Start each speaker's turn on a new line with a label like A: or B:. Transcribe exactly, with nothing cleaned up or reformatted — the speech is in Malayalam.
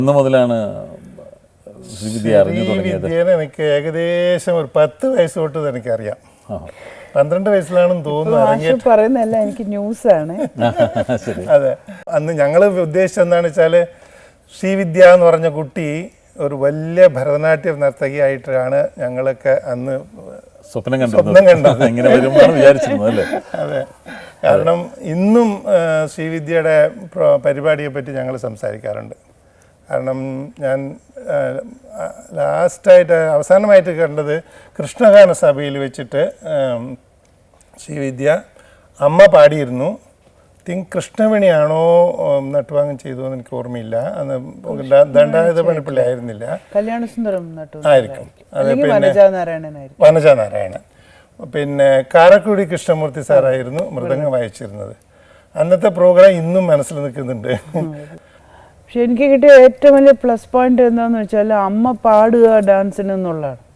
A: ഇന്ന് മുതലാണ് ശ്രീവിദ്യ അറിഞ്ഞു തുടങ്ങിയത്?
B: ശ്രീവിദ്യനെ എനിക്ക് ഏകദേശം ഒരു പത്ത് വയസ്സ് തൊട്ട് എനിക്കറിയാം. പന്ത്രണ്ട് വയസ്സിലാണെന്ന് തോന്നുന്നു
C: പറയുന്നല്ല, എനിക്ക് ന്യൂസാണ്.
B: അതെ, അന്ന് ഞങ്ങൾ ഉദ്ദേശിച്ചത് എന്താണെന്ന് വെച്ചാൽ ശ്രീവിദ്യ എന്ന് പറഞ്ഞ കുട്ടി ഒരു വലിയ ഭരതനാട്യ നർത്തകിയായിട്ടാണ് ഞങ്ങളൊക്കെ അന്ന്
A: സ്വപ്നം കണ്ടത്.
B: സ്വപ്നം കണ്ടത്
A: ഇങ്ങനെ വരുമെന്നാണ് വിചാരിച്ചിരുന്നത് അല്ലേ?
B: അതെ, കാരണം ഇന്നും ശ്രീവിദ്യയുടെ പരിപാടിയെ പറ്റി ഞങ്ങൾ സംസാരിക്കാറുണ്ട്. കാരണം ഞാൻ ലാസ്റ്റായിട്ട് അവസാനമായിട്ട് കണ്ടത് കൃഷ്ണഗാന സഭയിൽ വെച്ചിട്ട് ശ്രീവിദ്യ അമ്മ പാടിയിരുന്നു. തിങ്ക് കൃഷ്ണവേണിയാണോ നട്ടുവാങ്ങം ചെയ്തു എന്ന് എനിക്ക് ഓർമ്മയില്ല. അന്ന് ദണ്ഡായുധ പണിപ്പിള്ളി ആയിരുന്നില്ല,
C: കല്യാണസുന്ദരം
B: ആയിരിക്കും. അതെ, പിന്നെ വനജ നാരായണൻ, പിന്നെ കാരക്കുടി കൃഷ്ണമൂർത്തി സാറായിരുന്നു മൃദംഗം വായിച്ചിരുന്നത്. അന്നത്തെ പ്രോഗ്രാം ഇന്നും മനസ്സിൽ നിൽക്കുന്നുണ്ട്.
C: പക്ഷെ എനിക്ക് കിട്ടിയ ഏറ്റവും വലിയ പ്ലസ് പോയിന്റ് എന്താണെന്ന് വെച്ചാൽ അമ്മ പാടുക ഡാൻസിന് എന്നുള്ളതാണ്.